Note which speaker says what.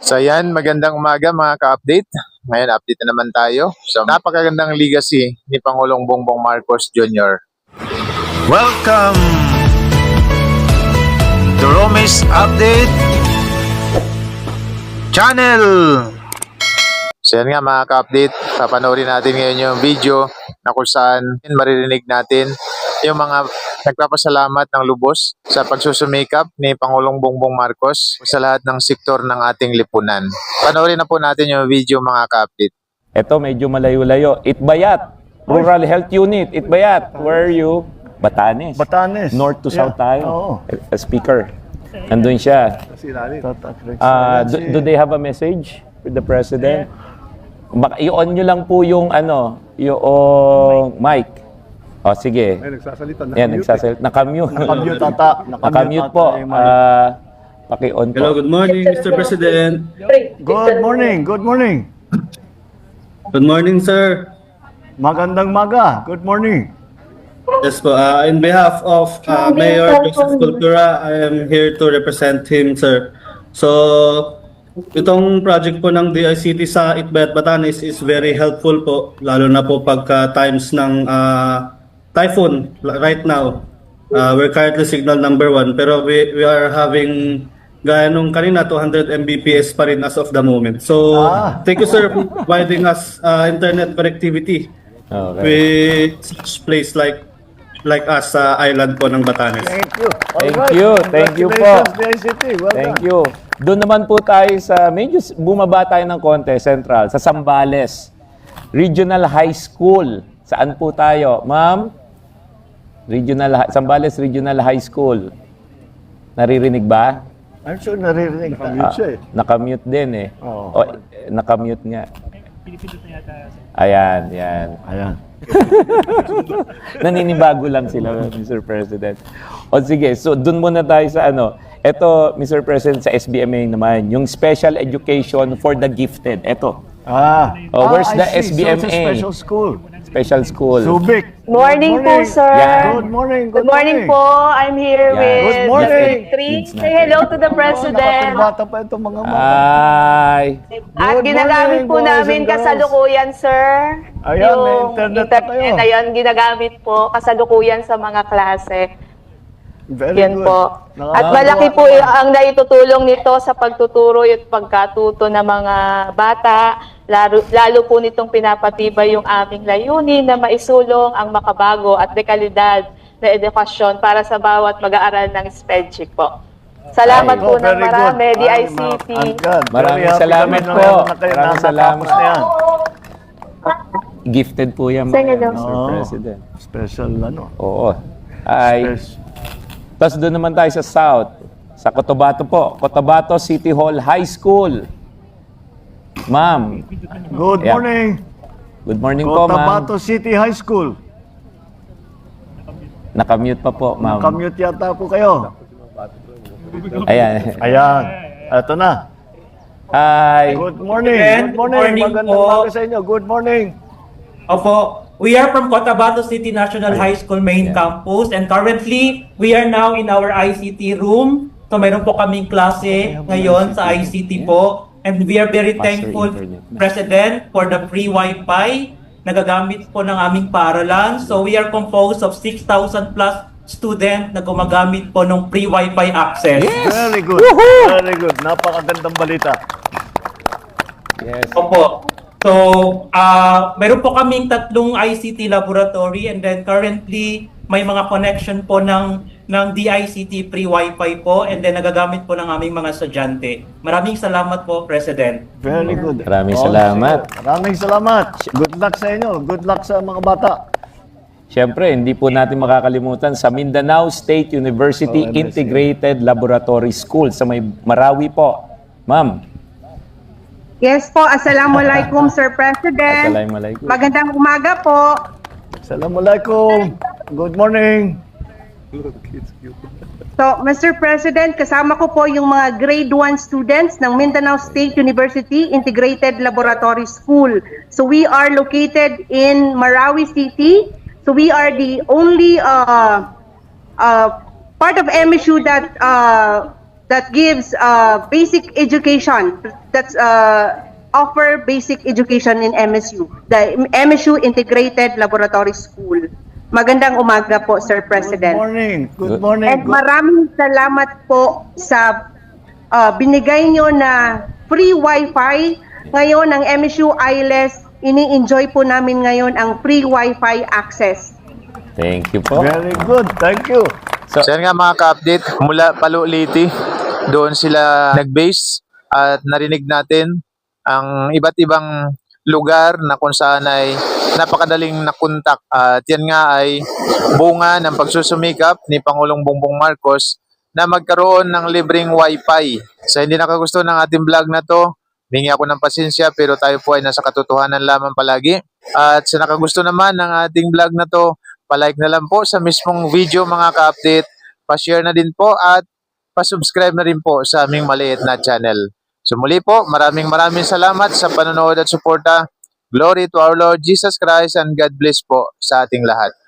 Speaker 1: So yan, magandang umaga mga ka-update. Ngayon, update na naman tayo. So, napakagandang legacy ni Pangulong Bongbong Marcos Jr.
Speaker 2: Welcome to Romis Update Channel.
Speaker 1: So yan nga mga ka-update, papanoorin natin ngayon yung video na kung saan maririnig natin yung mga nagpapasalamat ng lubos sa pagsusumikap ni Pangulong Bongbong Marcos sa lahat ng sektor ng ating lipunan. Panoorin na po natin yung video mga ka-update.
Speaker 3: Ito medyo malayo-layo. Itbayat, Rural Health Unit. Itbayat, where are you? Batanes.
Speaker 4: Batanes.
Speaker 3: North to south tayo.
Speaker 4: Oo.
Speaker 3: Speaker. Andun siya. Do they have a message with the President? Baka i-on nyo lang po yung yung mic. O sige.
Speaker 4: Ay, nagsasalita.
Speaker 3: Yan, nagsasalita. Nakamute.
Speaker 4: Nakamute ata.
Speaker 3: Nakamute po. Paki-on po.
Speaker 5: Hello, good morning, Mr. President.
Speaker 4: Good morning. Good morning.
Speaker 5: Good morning, sir.
Speaker 4: Magandang maga. Good morning.
Speaker 5: Yes po, in behalf of Mayor Joseph Cultura, I am here to represent him, sir. So, itong project po ng DICT sa Itbayat, Batanes is very helpful po, lalo na po pagka times ng typhoon right now. We're currently signal number 1, pero we are having gaya nung kanina 200 Mbps pa rin as of the moment. So, thank you sir for providing us internet connectivity
Speaker 3: Okay.
Speaker 5: with such place like us sa island po ng Batanes.
Speaker 4: Thank you.
Speaker 3: Thank
Speaker 4: Alright.
Speaker 3: you. Thank you po.
Speaker 4: Congratulations, DICT. Well
Speaker 3: Thank
Speaker 4: done.
Speaker 3: you. Doon naman po tayo sa, medyo bumaba tayo ng konti, Central, sa Zambales Regional High School. Saan po tayo? Ma'am? Zambales Regional High School. Naririnig ba?
Speaker 4: I'm sure naririnig. Nakamute siya eh.
Speaker 3: Nakamute din eh.
Speaker 4: Oo.
Speaker 3: Nakamute nga. Ayan, yan.
Speaker 4: Ayan.
Speaker 3: Naninibago lang sila, Mr. President. O sige, so dun muna tayo sa Ito, Mr. President, sa SBMA naman, yung Special Education for the Gifted. Ito, where's the
Speaker 4: I see. So it's a
Speaker 3: SBMA?
Speaker 4: special school.
Speaker 3: Special school.
Speaker 4: Subic.
Speaker 6: Morning po, sir.
Speaker 3: Yeah.
Speaker 4: Good morning.
Speaker 6: Good morning po. I'm here
Speaker 3: Yeah.
Speaker 6: with
Speaker 4: Good morning.
Speaker 6: Three. Say hello to the President.
Speaker 4: Nakapagbata pa itong mga mga.
Speaker 3: Ay,
Speaker 6: At
Speaker 4: Good
Speaker 6: ginagamit
Speaker 4: morning,
Speaker 6: po
Speaker 4: boys
Speaker 6: namin
Speaker 4: and girls.
Speaker 6: kasalukuyan, sir.
Speaker 4: Ayan, may internet na kayo.
Speaker 6: Ayan, ginagamit po kasalukuyan sa mga klase.
Speaker 4: Very
Speaker 6: Yan
Speaker 4: good.
Speaker 6: po. At
Speaker 4: Nakakatuwa
Speaker 6: malaki po
Speaker 4: naman.
Speaker 6: ang naitutulong nito sa pagtuturo at pagkatuto ng mga bata. Lalo po nitong pinapatibay yung aming layunin na maisulong ang makabago at dekalidad na edukasyon para sa bawat mag-aaral ng SPEDCHIC po. Salamat
Speaker 3: Ay,
Speaker 6: po ng
Speaker 4: Very good.
Speaker 6: marami,
Speaker 4: Ay,
Speaker 6: DICT.
Speaker 4: I'm glad.
Speaker 3: Maraming
Speaker 4: Very happy
Speaker 3: salamat
Speaker 4: kami na
Speaker 3: po.
Speaker 4: meron na kayo na
Speaker 3: Maraming salamat.
Speaker 4: natapos na yan.
Speaker 3: gifted po yan,
Speaker 6: Sige,
Speaker 3: Mr.
Speaker 4: Oo.
Speaker 3: President.
Speaker 4: Special
Speaker 3: Oo. Ay, tapos doon naman tayo sa South. Sa Cotabato po. Cotabato City Hall High School. Ma'am.
Speaker 4: Good
Speaker 3: Yeah.
Speaker 4: morning.
Speaker 3: Good morning po, ma'am.
Speaker 4: Cotabato City High School.
Speaker 3: Nakamute pa po, ma'am.
Speaker 4: Nakamute yata po kayo.
Speaker 3: Ayan.
Speaker 4: Ayan. Ito na.
Speaker 3: Hi.
Speaker 4: Good morning.
Speaker 7: Good morning
Speaker 4: Magandang
Speaker 7: po.
Speaker 4: umaga sa inyo. Good morning.
Speaker 7: Opo, we are from Cotabato City National High School main campus and currently we are now in our ICT room. So mayroon po kaming klase ngayon sa ICT po and we are very
Speaker 3: Master
Speaker 7: thankful,
Speaker 3: Internet.
Speaker 7: President, for the free Wi-Fi na gagamit po ng aming paaralan. So we are composed of 6,000 plus student na gumagamit po ng free Wi-Fi access.
Speaker 4: Very good. Very good. Napakagandang balita.
Speaker 3: Yes.
Speaker 7: Opo. So, meron po kaming tatlong ICT laboratory and then currently may mga connection po ng DICT free Wi-Fi po and then nagagamit po ng aming mga estudyante. Maraming salamat po, President.
Speaker 4: Very good.
Speaker 3: Maraming salamat.
Speaker 4: Sige. Maraming salamat. Good luck sa inyo. Good luck sa mga bata.
Speaker 3: Siyempre, hindi po natin makakalimutan sa Mindanao State University
Speaker 4: MSU.
Speaker 3: Integrated Laboratory School sa may Marawi po. Ma'am.
Speaker 8: Yes po, Assalamualaikum Sir President.
Speaker 3: Assalamualaikum.
Speaker 8: Magandang umaga po.
Speaker 4: Assalamualaikum. Good morning.
Speaker 8: So, Mr. President, kasama ko po yung mga grade 1 students ng Mindanao State University Integrated Laboratory School. So, we are located in Marawi City. So, we are the only part of MSU that that gives basic education, that's offer basic education in MSU, the MSU Integrated Laboratory School. Magandang umaga po, Sir
Speaker 4: Good
Speaker 8: President.
Speaker 4: morning. Good morning.
Speaker 8: And maraming salamat po sa binigay nyo na free wifi. Ngayon, ang MSU ILES, ini-enjoy po namin ngayon ang free wifi access.
Speaker 3: Thank you po.
Speaker 4: Very good. Thank you.
Speaker 3: So,
Speaker 1: So yan nga mga ka-update, mula Paluliti, doon sila nag-base at narinig natin ang iba't ibang lugar na kung saan ay napakadaling nakontak. At yan nga ay bunga ng pagsusumikap ni Pangulong Bongbong Marcos na magkaroon ng libreng wifi. Sa hindi nakagusto ng ating vlog na to, hingi ako ng pasensya pero tayo po ay nasa katotohanan lamang palagi. At sa nakagusto naman ng ating vlog na to, palike na lang po sa mismong video mga ka-update, pa-share na din po at pa-subscribe na rin po sa aming maliit na channel. So muli po, maraming salamat sa panonood at suporta. Glory to our Lord Jesus Christ and God bless po sa ating lahat.